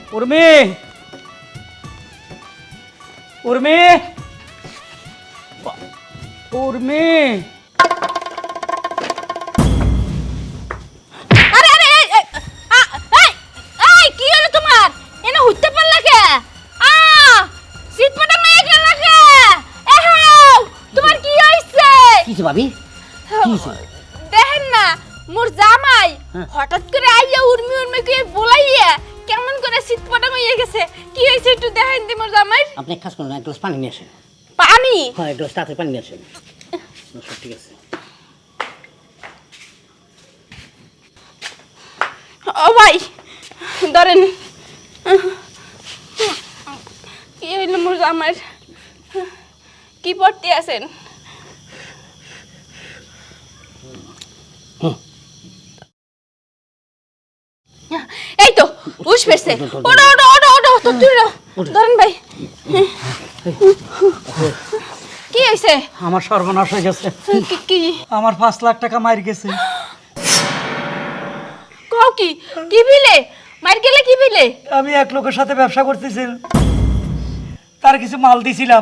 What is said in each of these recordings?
উর্মি উর্মি উর্মি আরে আরে এই কি হলো তোমার এনে উঠতে পারলা কে শীত পটা মেয়ে গেল কে তোমার কি হইছে কিছে ভাবি কিছে দেখেন না মোর জামাই হঠাৎ করে আইয়া উর্মি উর্মি কে বলাইয়া কেমন করে শীত পটা মেয়ে গেছে কি হইছে একটু দেখেন দি মোর জামাই আপনি এক কাজ করুন এক গ্লাস পানি নিয়ে আসেন পানি হ্যাঁ এক গ্লাস তাড়াতাড়ি পানি নিয়ে আসেন সব ঠিক আছে ও ভাই ধরেন কি হইল মোর জামাইর কি পড়তে আছেন এই তো উস পেছে ওড়ো ওড়ো ওড়ো ওড়ো তো তুইরো ধরেন ভাই কি হইছে আমার সর্বনাশ হয়ে গেছে কি আমার 5 লাখ টাকা মার গেছে কও কি কি বিলে মার গেলে কি বিলে আমি এক লোকের সাথে ব্যবসা করতেছি তার কিছু মাল দিছিলাম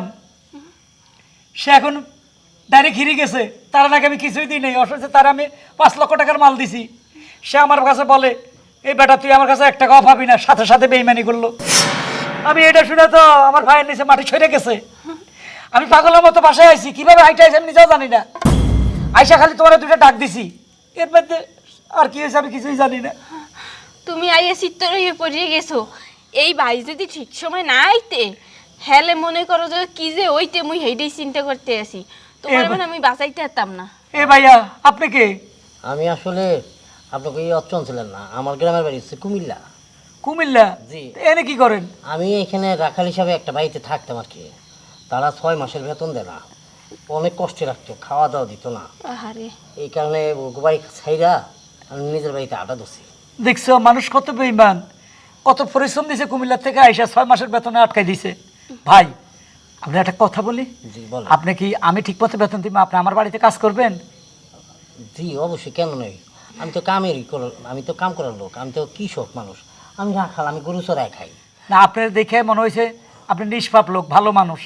সে এখন ডাইরেক্ট হিরে গেছে তার নাকি আমি কিছুই দিই নাই অথচ তার আমি 5 লক্ষ টাকার মাল দিছি সে আমার কাছে বলে এই বেটা তুই আমার কাছে 1 টাকাও পাবি না সাথে সাথে বেইমানি করলো আমি এটা শুনে তো আমার ভাইয়ের নিচে মাটি সরে গেছে আমি পাগলের মতো বাসায় আইছি কিভাবে হাইটা আইছি আমি নিজেও জানি না আইসা খালি তোমার দুটো ডাক দিছি এর মধ্যে আর কি হয়েছে আমি কিছুই জানি না তুমি আইয়া চিত্তর হয়ে পড়িয়ে গেছো এই ভাই যদি ঠিক সময় না আইতে হেলে মনে করো যে কি যে ওইতে মুই হেইটাই চিন্তা করতে আসি তোমার মানে আমি বাঁচাইতে পারতাম না এ ভাইয়া আপনি কে আমি আসলে আপনাকে এই অচন ছিলেন না আমার গ্রামের বাড়ি হচ্ছে কুমিল্লা। কুমিল্লা জি। এনে কি করেন আমি এখানে রাখাল হিসাবে একটা বাড়িতে থাকতাম আর কি। তারা 6 মাসের বেতন দেয় না, অনেক কষ্টে রাখতো, খাওয়া দাওয়া দিত না। আহারে এই কারণে বাড়ি ছাইরা আমি নিজের বাড়িতে আটা দছি। দেখছো মানুষ কত বেঈমান, কত পরিশ্রম দিছে কুমিল্লা থেকে আইসা 6 মাসের বেতনে আটকাই দিছে। ভাই আপনি একটা কথা বলি, জি বলেন। আপনি কি আমি ঠিক মতো বেতন দিব আপনি আমার বাড়িতে কাজ করবেন? জি অবশ্যই, কেন নয়। আমি তো আমি তো কাম করার লোক, আমি তো কৃষক মানুষ, আমি রাখাল, আমি গরু চড়াই খাই না। আপনার দেখে মনে হয়েছে আপনি নিষ্পাপ লোক, ভালো মানুষ।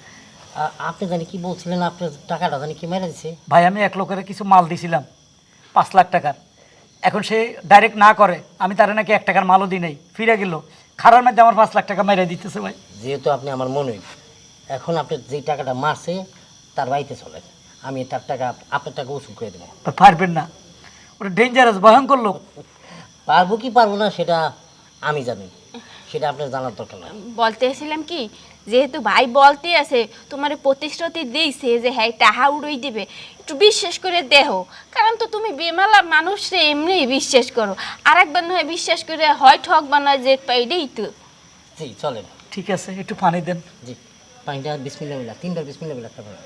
আপনি জানি কি বলছিলেন, আপনার টাকাটা জানি কি মেরে দিছে? ভাই আমি এক লোকের কিছু মাল দিছিলাম 5 লাখ টাকার, এখন সে ডাইরেক্ট না করে আমি তারা নাকি 1 টাকার মালও দিই নাই, ফিরে গেল খারার মধ্যে আমার 5 লাখ টাকা মেরে দিতেছে। ভাই যেহেতু আপনি আমার মনে, এখন আপনি যেই টাকাটা মারছে তার বাড়িতে চলে, আমি তার টাকা আপনার টাকা উসুল করে দেবো। পারবেন না, ওটা ডেঞ্জারাস, ভয়ঙ্কর লোক। পারবো কি পারবো না সেটা আমি জানি, সেটা আপনার জানার দরকার না। বলতে এসেছিলাম কি, যেহেতু ভাই বলতে আছে তোমার প্রতিশ্রুতি দিয়েছে যে হ্যাঁ টাহা উড়াই দিবে, একটু বিশ্বাস করে দেহ, কারণ তো তুমি বেমালা মানুষরে এমনি বিশ্বাস করো, আর একবার নয় বিশ্বাস করে হয় ঠক বানায় যে পাইডেই তো। জি চলেন। ঠিক আছে একটু পানি দেন। জি পানিটা বিসমিল্লাহ বিল্লাহ, 3বার বিসমিল্লাহ বিল্লাহ খাবেন।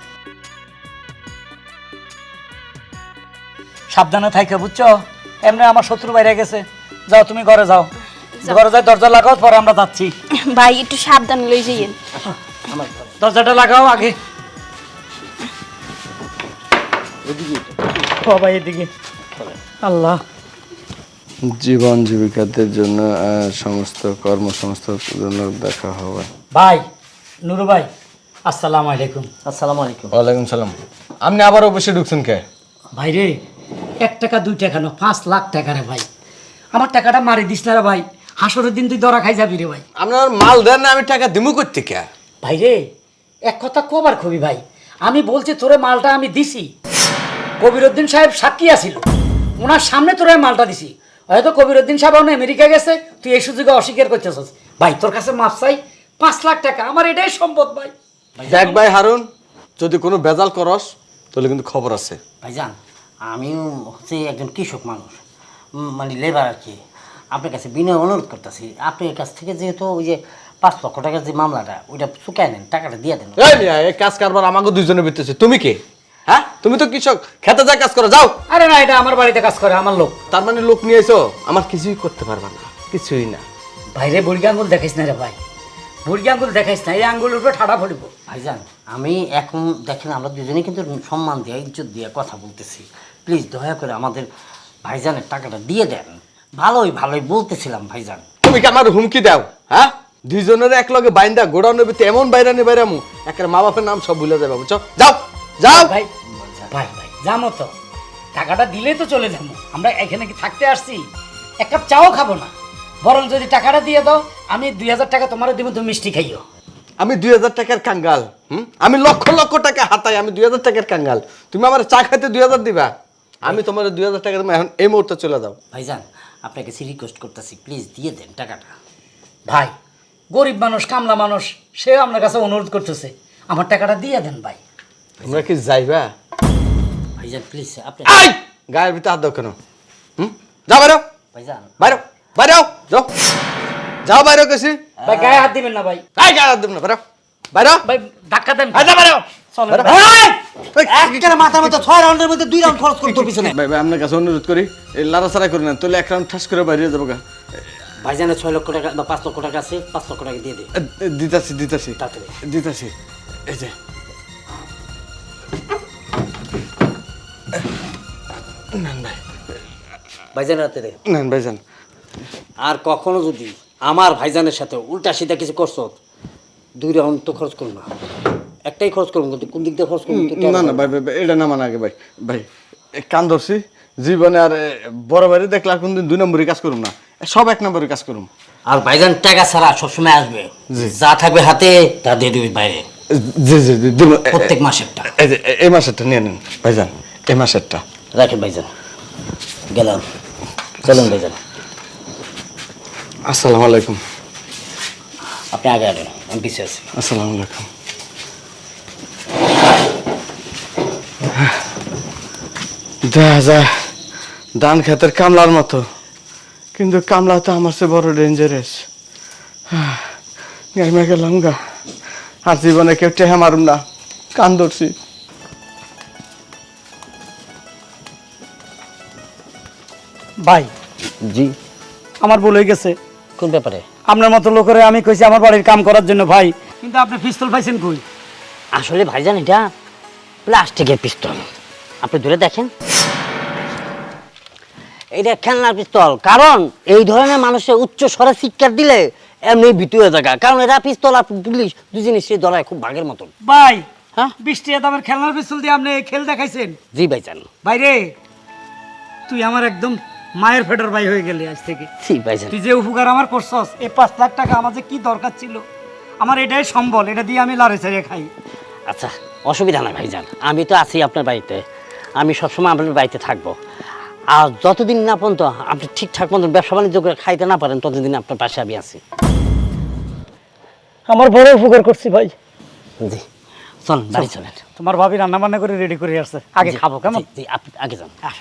সাবধানে থাইকা, বুঝছো? এমনি আমার শত্রু বাইরে গেছে, যাও তুমি ঘরে যাও, ঘরে যাই দরজা লাগাও, পরে আমরা যাচ্ছি। ভাই একটু সাবধানে লই যাইয়েন। আমার দরজাটা লাগাও আগে। ও ভাই এদিকে। আল্লাহ, জীবন জীবিকাদের জন্য সমস্ত কর্মসংস্থানের জন্য দেখা হবে। ভাই নুরু ভাই আসসালামু আলাইকুম। আসসালামু আলাইকুম। ওয়ালাইকুম সালাম। আপনি আবার অবশ্যই ঢুকছেন কে? ভাই রে 1 টাকা 2 টাকা না, 5 লাখ টাকা রে ভাই, আমার টাকাটা মারি দিস না রে ভাই, হাসরের দিন তুই ধরা খাই যাবি রে ভাই। আপনার মাল দেন না, আমি টাকা দিমু করতে কে? ভাই রে এক কথা কবার কবি ভাই, আমি বলছি তোরে মালটা আমি দিছি, কবিরউদ্দিন সাহেব সাক্ষী আছিল, ওনার সামনে তোরে মালটা দিছি, হয়তো কবিরউদ্দিন সাহেব এখন আমেরিকা গেছে, তুই এই সুযোগে অস্বীকার করতেছিস। ভাই তোর কাছে মাপ চাই, 5 লাখ টাকা আমার এটাই সম্পদ ভাই। দেখ ভাই হারুন, যদি কোনো বেজাল করস তাহলে কিন্তু খবর আছে। ভাইজান আমিও হচ্ছে একজন কৃষক মানুষ, মানে লেবার আর কি। আপনার কাছে বিনয় অনুরোধ করতেছি, আপনার কাছ থেকে যেহেতু ওই যে 5 লক্ষ টাকার যে মামলাটা, ওইটা চুকায় নেন, টাকাটা দিয়ে দেন। এই মিয়া, এই কাজ কারবার আমাকে দুইজনে বিতেছে, তুমি কে? হ্যাঁ তুমি তো কৃষক, খেতে যা কাজ করো, যাও। আরে না, এটা আমার বাড়িতে কাজ করে আমার লোক। তার মানে লোক নিয়ে এসো, আমার কিছুই করতে পারবা না, কিছুই না। ভাইরে বুড়ি আঙ্গুল দেখাইস না রে ভাই, বুড়ি আঙ্গুল দেখাইস না, এই আঙ্গুলের উপরে ঠাড়া পড়িব। ভাইজান আমি এখন দেখেন আমরা দুজনেই কিন্তু সম্মান দিয়ে ইজ্জত দিয়ে কথা বলতেছি, প্লিজ দয়া করে আমাদের ভাইজানের টাকাটা দিয়ে দেন। ভালোই ভালোই বলতেছিলাম ভাইজান। তুমি কি আমার হুমকি দাও? হ্যাঁ, দুইজনের এক লগে বাইন্দা গোডাউনের ভিতরে এমন বাইরানি বাইরামু, একের মা বাপের নাম সব ভুলে যাবে, বুঝছো? যাও যাও। ভাই ভাই ভাই যাবো তো, টাকাটা দিলেই তো চলে যাবো। আমরা এখানে কি থাকতে আসছি? এক কাপ চাও খাবো না, বরং যদি টাকাটা দিয়ে দাও আমি 2000 টাকা তোমার দিব, তুমি মিষ্টি খাইও। আমি 2000 টাকার কাঙ্গাল? আমি লক্ষ লক্ষ টাকা হাতাই, আমি 2000 টাকার কাঙ্গাল? তুমি আমার চা খাইতে 2000 দিবা? আমি তোমার 2000 টাকা তুমি এখন এই মুহূর্তে চলে যাও। ভাইজান আপনাকে রিকোয়েস্ট করতেছি, প্লিজ দিয়ে দেন টাকাটা। ভাই গরিব মানুষ, কামলা মানুষ, সেও আপনার কাছে অনুরোধ করতেছে, আমার টাকাটা দিয়ে দেন ভাই। তোমরা কি যাইবা? ভাইজান প্লিজ আপনি আই গায়ের ভিতরে হাত দাও কেন? যাও বাইরো, ভাইজান বাইরো, বাইরো, যাও যাও, বাইরো কেছি। ভাই গায়ে হাত দিবেন না ভাই। আই গায়ে হাত দেব না, বাইরো বাইরো। ভাই ধাক্কা দেন। আই যা বাইরো। চলেন বাইরো। ভাই। একটা মাথার মধ্যে 6 রাউন্ডের মধ্যে 2 রাউন্ড খরচ করতে তোর পিছনে। ভাই ভাই আপনার কাছে অনুরোধ করি, এই লাড়াছাড়া করি না, তাহলে এক রাউন্ড ঠাস করে বাইরে যাবো গা। ভাইজানের 6 লক্ষ টাকা বা 5 লক্ষ টাকা আছে, 5 লক্ষ টাকা দিয়ে দে দিতাছি দিতাছি তাড়াতাড়ি। দিতাছি। এই যে নেন ভাই, ভাইজানের হাতে দে। নেন ভাইজান। আর কখনো যদি আমার ভাইজানের সাথে উল্টা সিধা কিছু করছো, 2 রাউন্ড তো খরচ করবো না, একটাই খরচ করবো, কিন্তু কোন দিক দিয়ে খরচ করবো? না না ভাই ভাই ভাই, এটা না মানে আগে ভাই ভাই কান ধরছি জীবনে, আর বড় ভাই দেখলে আর কোনদিন 2 নম্বরই কাজ করুম না, সব 1 নম্বরই কাজ করুম। আর ভাইজান টাকা ছাড়া সবসময় আসবে, জি। যা থাকবে হাতে তা দিয়ে দিবি বাইরে, জি জি জি দিব। প্রত্যেক মাসেরটা। এই যে এই মাসেরটা নিয়ে নেন ভাইজান, এই মাসেরটা রাখেন ভাইজান, গেলাম, চলুন ভাইজান। আসসালামু আলাইকুম। আপনি আগে আনেন, আমি পিছিয়ে আছি। আসসালামু আলাইকুম। দেখা যায় ধান খেতের কামলার মতো, কিন্তু কামলা তো আমার চেয়ে বড় ডেঞ্জারাস। গাইমা গেলাম গা, আর জীবনে কেউ টেহা মারুম না, কান ধরছি। ভাই জি, আমার ভুল হয়ে গেছে। কোন ব্যাপারে? আপনার মতো লোকের আমি কইছি আমার বাড়ির কাম করার জন্য ভাই, কিন্তু আপনি পিস্তল পাইছেন কই? আসলে ভাইজান এটা প্লাস্টিকের পিস্তল, আপনি ধরে দেখেন, এটা খেলনার পিস্তল। কারণ এই ধরনের মানুষের উচ্চ স্বরে চিৎকার দিলে এমনি ভীতু হয়ে থাকা, কারণ এরা পিস্তল আর পুলিশ দু জিনিসের ধরায় খুব ভাগের মতন। ভাই হ্যাঁ 20 টাকা দামের খেলনার পিস্তল দিয়ে আপনি খেল দেখাইছেন? জি ভাইজান। ভাই রে, তুই আমার একদম মায়ের ফেটার ভাই হয়ে গেলি আজ থেকে। জি ভাইজান। তুই যে উপকার আমার করছস, এই 5 লাখ টাকা আমার যে কি দরকার ছিল, আমার এটাই সম্বল, এটা দিয়ে আমি লাড়ে ছাড়িয়ে খাই। আচ্ছা অসুবিধা নাই ভাইজান, আমি তো আছি আপনার বাড়িতে, আমি সবসময় আপনার বাড়িতে থাকবো। আর যতদিন না পর্যন্ত আপনি ঠিকঠাক মতো ব্যবসা বাণিজ্য করে খাইতে না পারেন, ততদিন আপনার পাশে আমি আছি। আমার বড় উপকার করছি ভাই। জি চল বাড়ি চলেন। তোমার ভাবি রান্না বান্না করে রেডি করে আসছে, আগে জি, খাবো কেমন? জি, জি, আপনি আগে যান। আসো।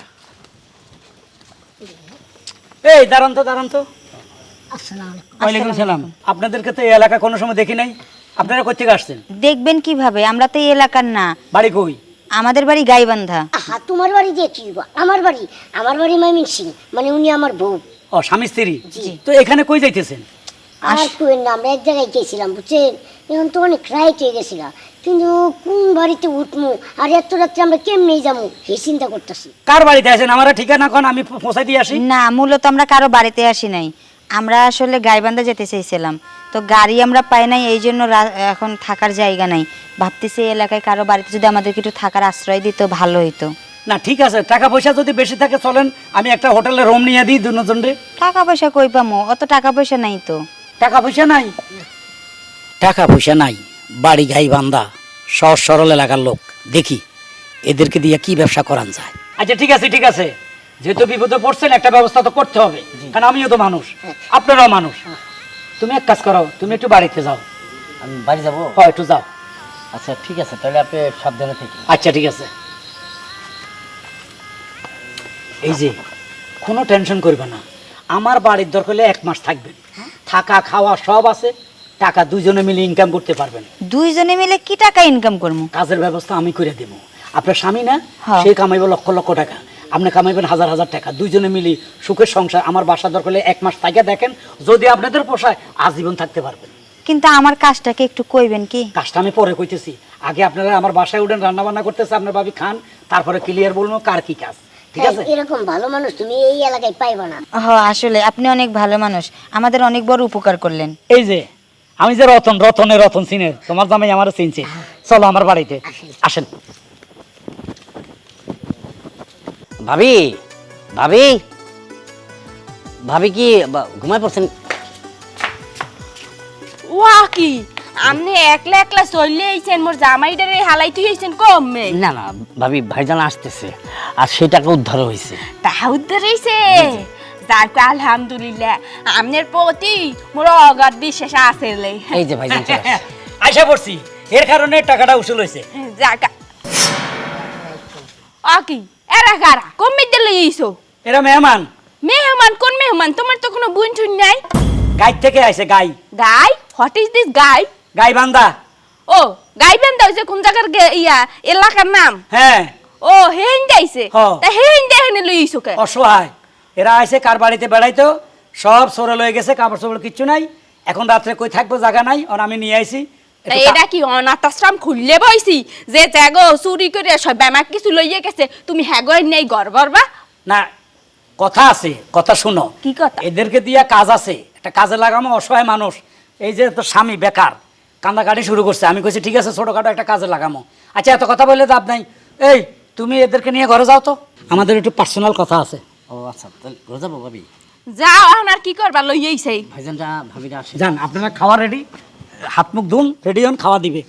এই দাঁড়ান তো দাঁড়ান তো। ওয়ালাইকুম সালাম। আপনাদেরকে তো এই এলাকা কোনো সময় দেখি নাই, আপনারা কোথা থেকে আসছেন? দেখবেন কিভাবে, আমরা তো এই এলাকার না, বাড়ি কই? আমাদের বাড়ি গাইবান্ধা। আহা তোমার বাড়ি দিয়ে কি হইবো? আমার বাড়ি ময়মনসিং, মানে উনি আমার বউ। ও স্বামী স্ত্রী? জি। তো এখানে কই যাইতেছেন? আর কুয়েন না, আমরা এক জায়গায় গেছিলাম বুঝছেন, এখন তো অনেক রাইট হয়ে গেছিলাম, কিন্তু কোন বাড়িতে উঠমু আর এত রাত্রে আমরা কেমনে যাবো এই চিন্তা করতেছি। কার বাড়িতে আছেন? আমার ঠিকানা কোন, আমি পৌঁছাই দিয়ে আসি। না, মূলত আমরা কারো বাড়িতে আসি নাই, আমরা আসলে গাইবান্ধা যেতে চাইছিলাম, তো গাড়ি আমরা পাই নাই, এই জন্য এখন থাকার জায়গা নাই। ভাবতেছি এই এলাকায় কারো বাড়িতে যদি আমাদেরকে একটু থাকার আশ্রয় দিত ভালো হইতো। না ঠিক আছে, টাকা পয়সা যদি বেশি থাকে চলেন, আমি একটা হোটেলে রুম নিয়ে দিই দুজনরে। টাকা পয়সা কই পামো? অত টাকা পয়সা নাই তো। টাকা পয়সা নাই? টাকা পয়সা নাই, বাড়ি গাই বান্দা, সহজ সরল এলাকার লোক, দেখি এদেরকে দিয়ে কি ব্যবসা করান যায়। আচ্ছা ঠিক আছে ঠিক আছে, যেহেতু বিপদে পড়ছেন একটা ব্যবস্থা তো করতে হবে, কারণ আমিও তো মানুষ, আপনারাও মানুষ। তুমি এক কাজ করো, তুমি একটু বাড়িতে যাও। আমি বাড়ি যাবো? হয় একটু যাও। আচ্ছা ঠিক আছে, তাহলে আপনি সাবধানে থেকে। আচ্ছা ঠিক আছে। এই যে কোনো টেনশন করবে না, আমার বাড়ির দরকার হলে 1 মাস থাকবেন, থাকা খাওয়া সব আছে, টাকা দুইজনে মিলে ইনকাম করতে পারবেন। দুইজনে মিলে কি টাকা ইনকাম করবো? কাজের ব্যবস্থা আমি করে দেব। আপনার স্বামী না, হ্যাঁ। সে কামাইব লক্ষ লক্ষ টাকা, আপনি কামাইবেন হাজার হাজার টাকা, দুইজনে মিলি সুখের সংসার। আমার বাসা দরকার হলে 1 মাস থাকে দেখেন, যদি আপনাদের পোষায় আজীবন থাকতে পারবেন। কিন্তু আমার কাজটাকে একটু কইবেন কি? কাজটা আমি পরে কইতেছি, আগে আপনারা আমার বাসায় উঠেন, রান্না বান্না করতেছে আপনার ভাবি খান, তারপরে ক্লিয়ার বলবো কার কি কাজ। ঠিক আছে? এরকম ভালো মানুষ তুমি এই এলাকায় পাইবা না। আসলে আপনি অনেক ভালো মানুষ, আমাদের অনেক বড় উপকার করলেন। এই যে আমি যে রতন চিনের, তোমার জামাই আমার চিনছে। চলো আমার বাড়িতে আসেন। ভাবি ভাবি ভাবি কি ঘুমায় পড়ছেন? ওয়া কি আপনি একলা একলা চলে আইছেন, মোর জামাইটারে হালাই তুই আইছেন কমে? না না ভাবি, ভাইজান আসতেছে আর সেই টাকা উদ্ধার হয়েছে। তাহা উদ্ধার হইছে, যাক আলহামদুলিল্লাহ। আপনার প্রতি মোর অগাধ বিশ্বাস আছে। এই যে ভাইজান চলে আসছে। আশা করছি এর কারণে টাকাটা উসুল হয়েছে। যাক কি এরা কারা কমে দিলে ইসো? এরা মেহমান, মেহমান? কোন মেহমান? তোমার তো কোনো বুন ঠুন নাই। গাই থেকে আইছে। গাই গাই? What is this guy? গাই বান্দা। ও গাই বেন্দা হইছে কোন জায়গার ইয়া এলাকার নাম? হ্যাঁ। ও হেন যাইছে, হ্যাঁ। তা হেন দেখনে লইছো কে? অসহায় এরা আইছে কার বাড়িতে বেড়াইতো, সব সরে লয়ে গেছে, কাপড় চোপড় কিচ্ছু নাই। এখন রাত্রে কই থাকবো, জায়গা নাই, আর আমি নিয়ে আইছি। তা এটা কি অনাথ আশ্রম খুললে বইছি যে জাগো চুরি করে সব ব্যামাক কিছু লইয়ে গেছে, তুমি হ্যাগোয় নেই গড় গড়বা? না, কথা আছে, কথা শুনো। কি কথা? এদেরকে দিয়া কাজ আছে, একটা কাজে লাগামো। অসহায় মানুষ, এই যে তো স্বামী বেকার, কান্দাকাটি শুরু করছে। আমি কইছি ঠিক আছে, ছোটখাটো একটা কাজে লাগামো। আচ্ছা, এত কথা বললে লাভ নাই। এই তুমি এদেরকে নিয়ে ঘরে যাও তো, আমাদের একটু পার্সোনাল কথা আছে। ও আচ্ছা, তাহলে ঘরে যাবো ভাবি? যাও, এখন আর কি করবা, লইয়েইছে। ভাইজানটা ভাবিরা আসে। যান, আপনারা খাওয়া রেডি, হাত মুখ ধুন, রেডি হন, খাওয়া দিবে।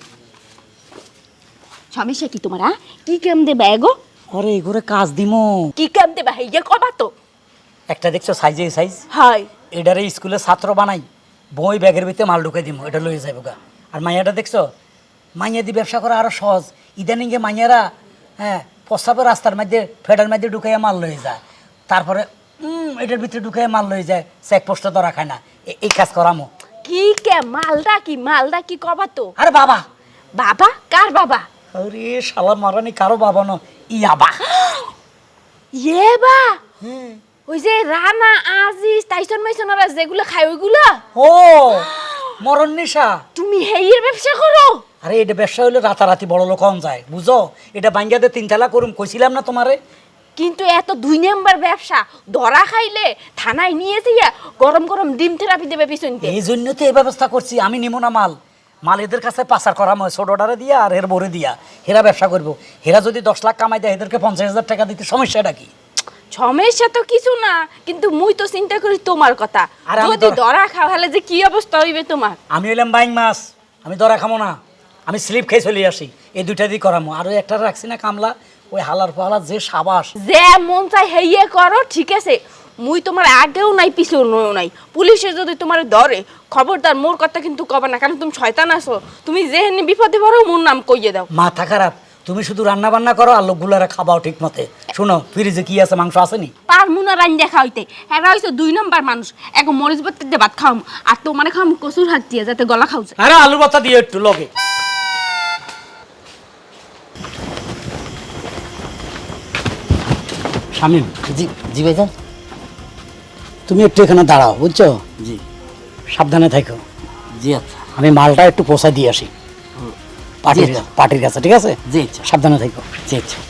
সমস্যা কি তোমার? কি কাম দেবা এগো? আরে এই ঘরে কাজ দিমো। কি কাম দেবা হেইয়া কবা তো? একটা দেখছো সাইজে সাইজ, হয় এটারে স্কুলে ছাত্র বানাই, বই ব্যাগের ভিতরে মাল ঢুকে দিমো, এটা লয়ে যাবো গা। আর মাইয়াটা দেখছো, মাইয়া দিয়ে ব্যবসা করা আরো সহজ। ইদানিংয়ে মাইয়ারা প্রস্তাবের রাস্তার মধ্যে ফেডার মধ্যে ঢুকাইয়া মাল লয়ে যায়, তারপরে এটার ভিতরে ঢুকাইয়া মাল লয়ে যায়, চেকপোস্টে ধরা খায় না। এই কাজ করামো। কি কে মালদা কি কবা তো? আরে বাবা। বাবা? কার বাবা? আরে শালার মারানি, কারো বাবা ন, ইয়াবা। ইয়ে বা ওই যে রানা আজিজ টাইসন মাইসন ওরা যেগুলো খায় ওইগুলো? ও মরণ নেশা। তুমি হেইয়ের ব্যবসা করো? আরে এটা ব্যবসা হলে রাতারাতি বড় লোক হন যায়, বুঝো? এটা বাঙ্গাতে 3 তালা করুম, কইছিলাম না তোমারে? কিন্তু এত 2 নাম্বার ব্যবসা, ধরা খাইলে থানায় নিয়ে যাইয়া গরম গরম ডিম থেরাপি দেবে পিছনতে। এই জন্য তো এই ব্যবস্থা করছি। আমি নিমো না মাল, মাল এদের কাছে পাচার করা হয় ছোট অর্ডারে দিয়া আর এর বরে দিয়া। হেরা ব্যবসা করবো। হেরা যদি 10 লাখ কামাই দেয়, এদেরকে 50,000 টাকা দিতে সমস্যাটা কি? সমস্যা তো কিছু না, কিন্তু মুই তো চিন্তা করি তোমার কথা। আর আমি যদি ধরা খাও হলে যে কি অবস্থা হইবে তোমার? আমি হইলাম বাইং মাছ, আমি ধরা খামো না। আমি স্লিপ খেয়ে চলে আসি, এই 2টা দিয়ে করামো। আর ওই একটা রাখছি না কামলা, ওই হালার পাহালার যে সাবাস। যে মন চাই হেইয়ে করো, ঠিক আছে। মুই তোমার আগেও নাই পিছেও নাই। পুলিশে যদি তোমার ধরে, খবরদার মোর কথা কিন্তু কবে না, কারণ তুমি শয়তান আছো। তুমি যেহেনি বিপদে পড়ো, মোর নাম কইয়ে দাও। মাথা খারাপ, তুমি শুধু রান্না বান্না করো আর লোকগুলারা খাবাও ঠিক মতে। শোনো, ফ্রিজে কি আছে, মাংস আসেনি? পারমুনা রান দেখা হইতে। হ্যাঁ হইছে 2 নাম্বার মানুষ। এখন মরিচ বাত্তে দিয়ে ভাত খাওয়াম, আর তোমার খাওয়াম কচুর হাত দিয়ে, যাতে গলা খাও যায়। আরে আলুর ভর্তা দিয়ে একটু লগে। শামিম, জি জি ভাইজান। তুমি একটু এখানে দাঁড়াও, বুঝছো? জি সাবধানে থাকো। জি আচ্ছা। আমি মালটা একটু পোষা দিয়ে আসি পার্টির কাছে, ঠিক আছে? জি আচ্ছা। সাবধানে থাকো। জি আচ্ছা।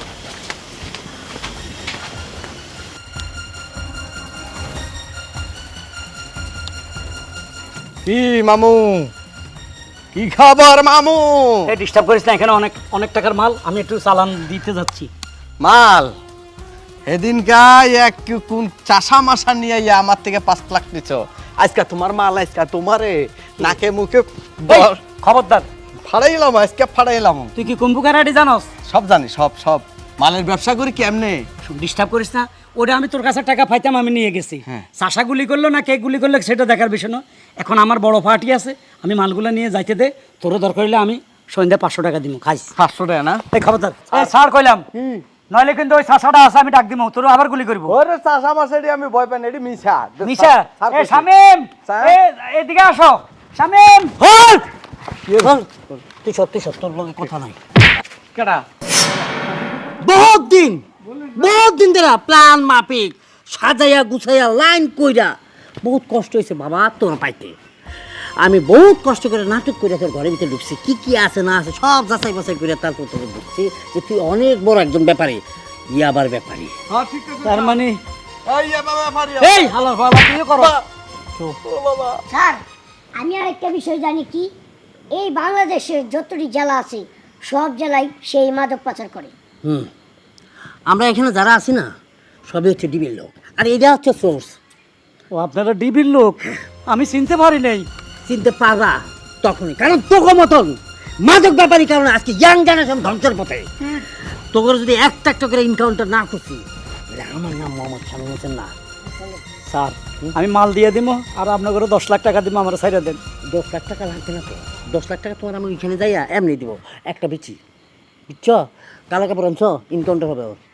কি মামু, কি খবর মামু? ডিস্টার্ব করিস না, এখানে অনেক অনেক টাকার মাল, আমি একটু চালান দিতে যাচ্ছি। মাল সেদিনকাই এক কোন চাষা মাসা নিয়ে ইয়া আমার থেকে 5 লাখ নিছ। আজকে তোমার মাল, আজকে তোমারে নাকে মুখে এই, খবরদার। ফাড়াইলাম, আজকে ফাড়াইলাম। তুই কি কুম্ভকারাটি জানোস? সব জানি, সব সব মালের ব্যবসা করি কেমনে। ডিস্টার্ব করিস না, ওটা আমি তোর কাছে টাকা পাইতাম, আমি নিয়ে গেছি। হ্যাঁ। চাষা গুলি করলো না কে গুলি করলো সেটা দেখার বিষয় না। এখন আমার বড় পার্টি আছে, আমি মালগুলো নিয়ে যাইতে দে। তোরও দরকার হলে আমি সন্ধ্যা 500 টাকা দিব, খাইস। 500 টাকা না? এই খবরদার, ছাড় কইলাম, নইলে কিন্তু ওই চাষাটা আছে, আমি ডাক দিব, তোর আবার গুলি করবো। ওরে চাষা মাসেরই আমি ভয় পাই না, এটি মিছা নিশা, ছাড় এ কইছি। শামিম, স্যার? এদিকে আসো। শামিম, হল তুই সত্যি তোর লগে কথা নাই। কেডা? বহুত দিন ধরে প্ল্যান মাফিক সাজাইয়া গুছাইয়া লাইন কইরা বহুত কষ্ট হয়েছে বাবা তোর পাইতে। আমি বহুত কষ্ট করে নাটক করে তোর ঘরের ভিতরে ঢুকছি, কি কি আছে না আছে সব যাচাই বাছাই করে তারপর তোকে ঢুকছি যে তুই অনেক বড় একজন ব্যাপারে। ইয়াবার ব্যাপারী। হ্যাঁ ঠিক আছে তার মানে এই ইয়াবা ব্যাপারী এই হালার বাবা তুমি করো ও বাবা স্যার আমি আর একটা বিষয় জানি কি, এই বাংলাদেশের যতটি জেলা আছে সব জেলায় সেই মাদক পাচার করে। আমরা এখানে যারা আছি না সবই হচ্ছে ডিবির লোক, আর এটা হচ্ছে সোর্স। ও আপনারা ডিবির লোক, আমি চিনতে পারি নাই। চিনতে পারা তখনই, কারণ তোকে মতন মাদক ব্যাপারী কারণে আজকে ইয়াং জেনারেশন ধ্বংসের পথে। তোকে যদি একটা একটা করে এনকাউন্টার না করছি, তাহলে আমার নাম মোহাম্মদ শামীম হোসেন না। স্যার আমি মাল দিয়ে দিব আর আপনাকে 10 লাখ টাকা দিব, আমার সাইডে দেন। 10 লাখ টাকা লাগবে না তো, 10 লাখ টাকা তোমার আমি ওইখানে যাইয়া এমনি দিব একটা বিচি, বুঝছ? কালো কাপড় আনছ, এনকাউন্টার হবে ওর।